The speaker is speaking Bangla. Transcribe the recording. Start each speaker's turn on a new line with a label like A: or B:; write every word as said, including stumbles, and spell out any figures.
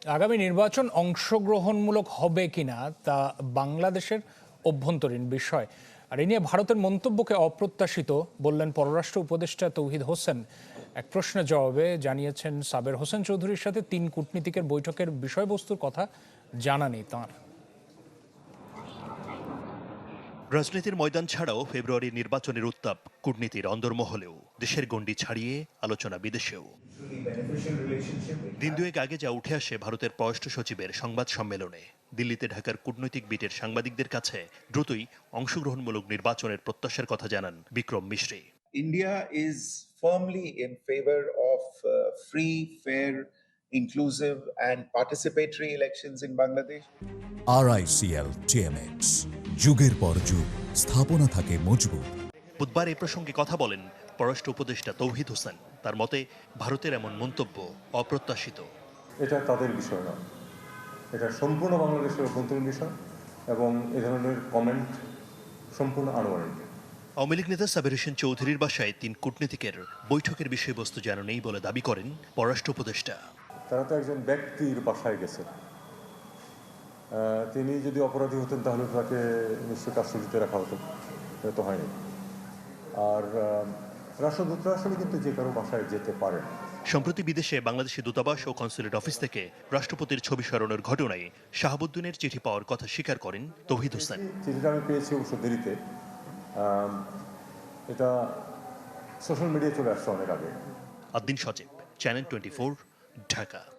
A: আগামী নির্বাচন অংশগ্রহণমূলক হবে কিনা তা বাংলাদেশের অভ্যন্তরীণ বিষয়। আর এ নিয়ে ভারতের মন্তব্যকে অপ্রত্যাশিত বললেন পররাষ্ট্র উপদেষ্টা তৌহিদ হোসেন। এক প্রশ্নের জবাবে জানিয়েছেন, সাবের হোসেন চৌধুরীর সাথে তিন কূটনীতিকের বৈঠকের বিষয়বস্তুর কথা জানা নেই তাঁর।
B: রাজনীতির ময়দান ছাড়াও ফেব্রুয়ারির নির্বাচনের উত্তাপ কূটনীতির অন্দরমহলেও, দেশের গণ্ডি ছাড়িয়ে আলোচনা বিদেশেও। দিন দুয়েক আগে যা উঠে আসে ভারতের পররাষ্ট্র সচিবের সংবাদ সম্মেলনে, দিল্লিতে ঢাকার কূটনৈতিক বিটের সাংবাদিকদের কাছে দ্রুতই অংশগ্রহণমূলক নির্বাচনের প্রত্যাশার কথা জানান Vikram Misri.
C: India is firmly in favor of uh, free, fair, inclusive and participatory elections in Bangladesh.
D: R I C L T M X, যুগের পর যুগ স্থাপনা থাকে মজবুত।
B: বুধবার এ প্রসঙ্গে কথা বলেন পররাষ্ট্র উপদেষ্টা তৌহিদ হোসেন। তার মতে ভারতের এমন মন্তব্য অপ্রত্যাশিত।
E: এটা তাদের বিষয় না, এটা সম্পূর্ণ বাংলাদেশের অভ্যন্তরীণ বিষয় এবং এ ধরনের কমেন্ট সম্পূর্ণ আনুমানিক।
B: আওয়ামী লীগ নেতা সাবের হোসেন চৌধুরীর বাসায় তিন কূটনীতিকের বৈঠকের বিষয়বস্তু জানা নেই বলে দাবি করেন পররাষ্ট্র উপদেষ্টা।
E: তারা তো একজন ব্যক্তির বাসায় গেছেন, তিনি যদি অপরাধী হতেন তাহলে তাকে নিশ্চয়ই কাস্টডিতে রাখা হতো, এটা তো হয়নি। আর রাষ্ট্রদূতরা আসলে কিন্তু যে কারো বাসায় যেতে পারেন।
B: সম্প্রতি বিদেশে বাংলাদেশের দূতাবাস ও কনসুলেট অফিস থেকে রাষ্ট্রপতির ছবি সরানোর ঘটনায় শাহাবুদ্দিনের চিঠি পাওয়ার কথা স্বীকার করেন তৌহিদ হোসেন।
E: চিঠিটা আমি পেয়েছি অবশ্য দেরিতে, এটা সোশ্যাল মিডিয়ায় চলে আসছে অনেক আগে।
B: Addin Sajib, channel twenty four, Dhaka.